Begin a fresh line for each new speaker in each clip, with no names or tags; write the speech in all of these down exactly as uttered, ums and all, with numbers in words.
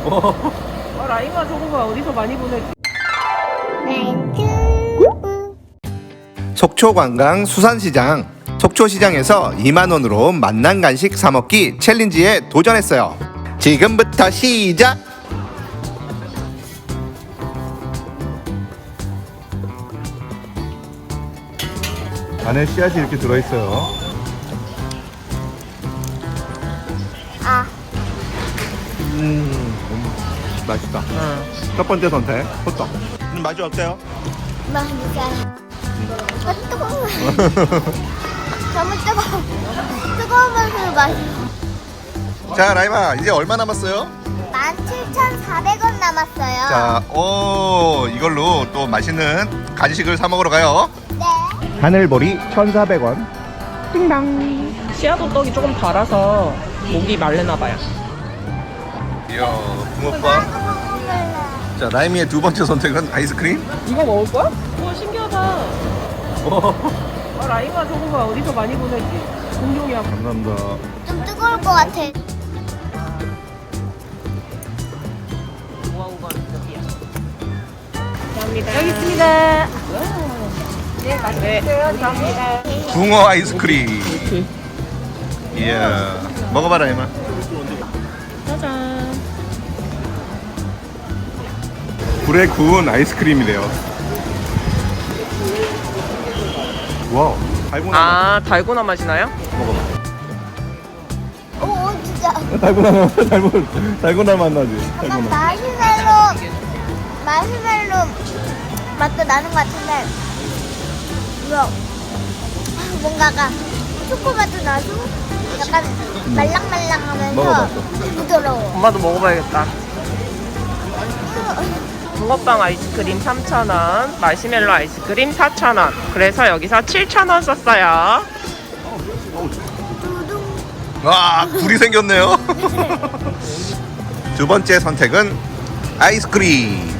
아, 라임아 저거 봐. 어디서 많이 보냈지?
속초관광 수산시장. 속초시장에서 이만 원으로 맛난 간식 사먹기 챌린지에 도전했어요. 지금부터 시작! 안에 씨앗이 이렇게 들어있어요.
아,
음, 맛있다.
응.
첫 번째 선택, 호떡. 음, 맛이 어때요?
맛있어요. 아, 뜨거워. 너무 뜨거워. 뜨거우면서 맛있어.
자, 라임아, 이제 얼마 남았어요?
만 칠천사백 원 남았어요.
자, 오, 이걸로 또 맛있는 간식을 사 먹으러 가요.
네.
하늘보리 천사백 원.
씨앗 호떡이 조금 달아서 목이 말르나 봐요.
이야, 붕어빵.
먹을래.
자, 라임이의 두 번째 선택은 아이스크림.
이거 먹을 거야? 우와 신기하다. 아, 라임아 저거 봐. 어디서 많이 보냈지? 공룡이야.
감사합니다.
좀 뜨거울 것 같아.
우아우가 여기야. 감사합니다. 여기 있습니다. 네, 맛있어요. 감사합니다.
붕어 아이스크림.
이렇게.
이야, 먹어봐, 라임아.
짜잔.
불에 구운 아이스크림이래요. 와우, 달고나
아 달고나 맛이 나요?
맛. 먹어봐.
오, 진짜.
달고나 맛, 달고나, 달고나 맛 나지?
약간 마시멜로, 마시멜로 맛도 나는 것 같은데, 이거 뭔가가 초코맛도 나고, 약간 말랑말랑하면서
먹어봤어.
부드러워.
엄마도 먹어봐야겠다. 붕어빵 아이스크림 삼천 원, 마시멜로 아이스크림 사천 원. 그래서 여기서 칠천 원 썼어요.
두둥.
와, 불이 생겼네요. 두 번째 선택은 아이스크림.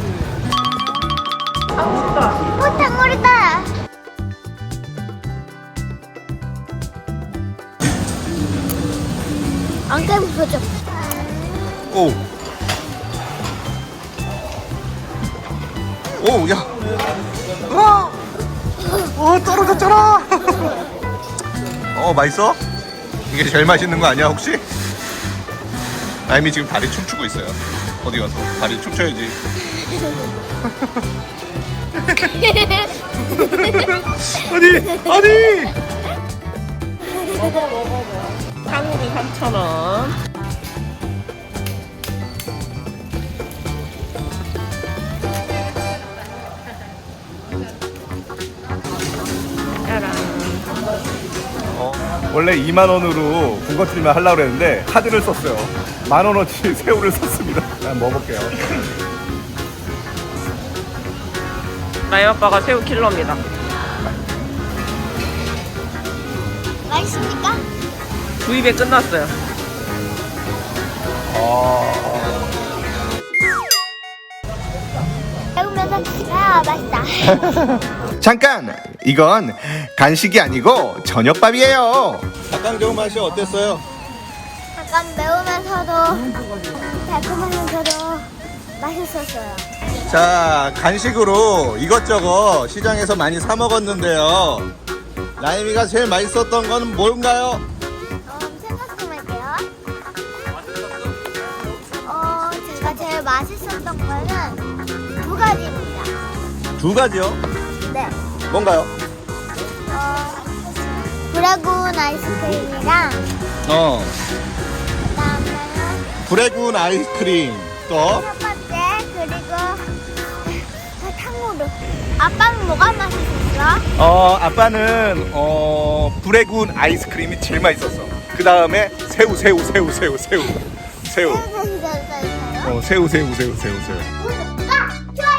오, 탕물이다. 안 깨부서져.
오. 오, 야. 와. 어, 떨어졌잖아. 어, 맛있어? 이게 제일 맛있는 거 아니야, 혹시? 라임이 지금 다리 춤추고 있어요. 어디 가서 다리 춤춰야지. 아니, 아니.
탕후루 삼천 원. 짜란.
어, 원래 이만 원으로 군것질만 하려고 그랬는데 카드를 썼어요. 만 원어치 새우를 썼습니다. 난 먹어볼게요.
라임 아빠가 새우 킬러입니다.
맛있습니까?
두 입에 끝났어요.
배우면서 아 맛있다.
잠깐! 이건 간식이 아니고 저녁밥이에요. 닭강정 맛이 어땠어요?
약간 매우면서도 달콤하면서도 맛있었어요.
자, 간식으로 이것저것 시장에서 많이 사 먹었는데요. 라임이가 제일 맛있었던 건 뭔가요?
어, 생각 좀 할게요. 어, 제가 제일 맛있었던 거는 두 가지입니다.
두 가지요?
네.
뭔가요?
어, 브라군 아이스크림이랑
어,
그다음에는
불에 구운 아이스크림. 또
첫 번째 그리고 탕후루. 아빠는 뭐가 맛있었어?
어, 아빠는 어, 불에 구운 아이스크림이 제일 맛있었어. 그 다음에 새우, 새우, 새우, 새우, 새우, 새우.
새우.
어, 새우, 새우, 새우, 새우, 새우.
구독과 좋아요